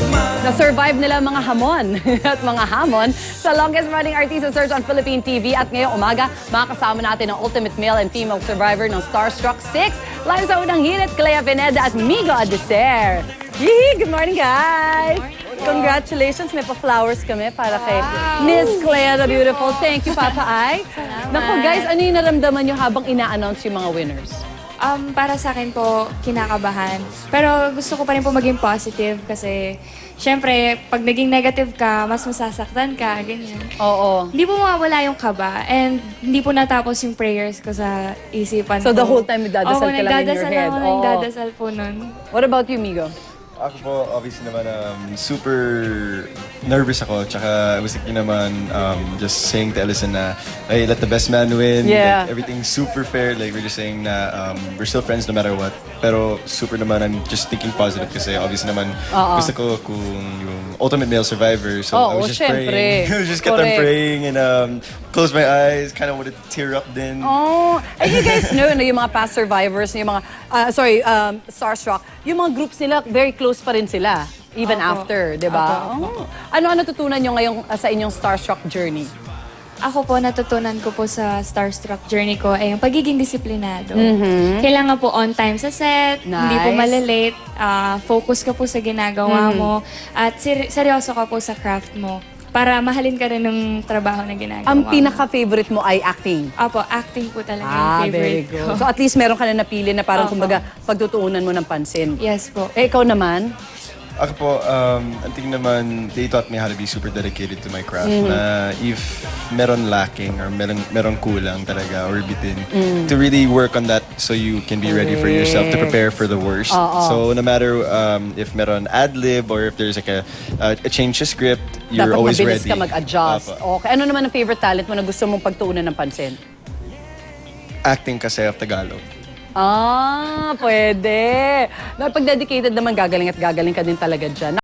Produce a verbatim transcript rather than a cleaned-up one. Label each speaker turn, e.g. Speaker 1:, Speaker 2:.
Speaker 1: Na-survive nila ang mga hamon at mga hamon sa longest running artista search on Philippine T V. At ngayong umaga, makakasama natin ang ultimate male and female survivor ng Starstruck six. Live sa unang hirit, Clea Pineda at Migo Adeser. Yee! Good morning, guys! Congratulations! May pa-flowers kami para kay Miss Clea the Beautiful. Thank you, Papa Ay. Naku, guys, ano yung naramdaman nyo habang ina-announce yung mga winners?
Speaker 2: Um, para sa akin po, kinakabahan. Pero gusto ko pa rin po maging positive kasi syempre, pag naging negative ka, mas masasaktan ka, ganyan.
Speaker 1: Oo.
Speaker 2: Hindi po mawawala yung kaba and hindi po natapos yung prayers ko sa isipan
Speaker 1: So
Speaker 2: ko.
Speaker 1: the whole time nagdadasal ka lang in your
Speaker 2: nagdadasal
Speaker 1: head.
Speaker 2: ako,
Speaker 1: Oo.
Speaker 2: nagdadasal po nun.
Speaker 1: What about you, Migo?
Speaker 3: Ako po, obviously naman, um, super nervous ako. Tsaka, I was thinking naman, um, just saying to Ellison na, hey, let the best man win.
Speaker 1: Yeah.
Speaker 3: Like, everything's super fair. Like, we're just saying na um, we're still friends no matter what. Pero super naman, I'm just thinking positive kasi obviously naman,
Speaker 1: Oo.
Speaker 3: gusto ko kung yung ultimate male survivor. So,
Speaker 1: Oo,
Speaker 3: I was just
Speaker 1: syempre.
Speaker 3: praying. I was just kept on
Speaker 1: Correct.
Speaker 3: praying and um, close my eyes, kind of wanted to tear up then.
Speaker 1: Oh, and you guys know, no, yung mga past survivors, yung mga, uh, sorry, um, Starstruck, yung mga groups nila, very close pa rin sila, even
Speaker 2: Opo.
Speaker 1: after, di ba? Oh. Ano-ano natutunan nyo ngayong uh, sa inyong Starstruck journey?
Speaker 2: Ako po, natutunan ko po sa Starstruck journey ko ay yung pagiging disiplinado.
Speaker 1: Mm-hmm.
Speaker 2: Kailangan po on time sa set, hindi po
Speaker 1: Nice.
Speaker 2: malalate, ah, focus ka po sa ginagawa
Speaker 1: Mm-hmm.
Speaker 2: mo, at ser- seryoso ka po sa craft mo para mahalin ka rin ng trabaho na ginagawa
Speaker 1: Ang
Speaker 2: mo.
Speaker 1: pinaka-favorite mo ay acting.
Speaker 2: Opo, acting po talaga
Speaker 1: Ah,
Speaker 2: yung
Speaker 1: very
Speaker 2: favorite
Speaker 1: good.
Speaker 2: ko.
Speaker 1: So at least meron ka na napili na parang
Speaker 2: Opo.
Speaker 1: kumbaga pagtutuunan mo ng pansin.
Speaker 2: Yes po.
Speaker 1: Eh, ikaw naman?
Speaker 3: Ako po, um, ang tingin naman, they taught me how to be super dedicated to my craft.
Speaker 1: Mm-hmm.
Speaker 3: Na if meron lacking or meron, meron kulang talaga or bitin,
Speaker 1: Mm.
Speaker 3: to really work on that so you can be ready for yourself to prepare for the worst.
Speaker 1: Oo.
Speaker 3: So no matter um, if meron ad-lib or if there's like a, uh, a change to script, you're
Speaker 1: Dapat
Speaker 3: always
Speaker 1: mabilis
Speaker 3: ready.
Speaker 1: ka mag-adjust.
Speaker 3: Apo.
Speaker 1: Okay. Ano naman ang favorite talent mo na gusto mong pagtuunan ng pansin?
Speaker 3: Acting kasi of Tagalog.
Speaker 1: Ah, pwede. Pag dedicated naman, gagaling at gagaling ka din talaga dyan.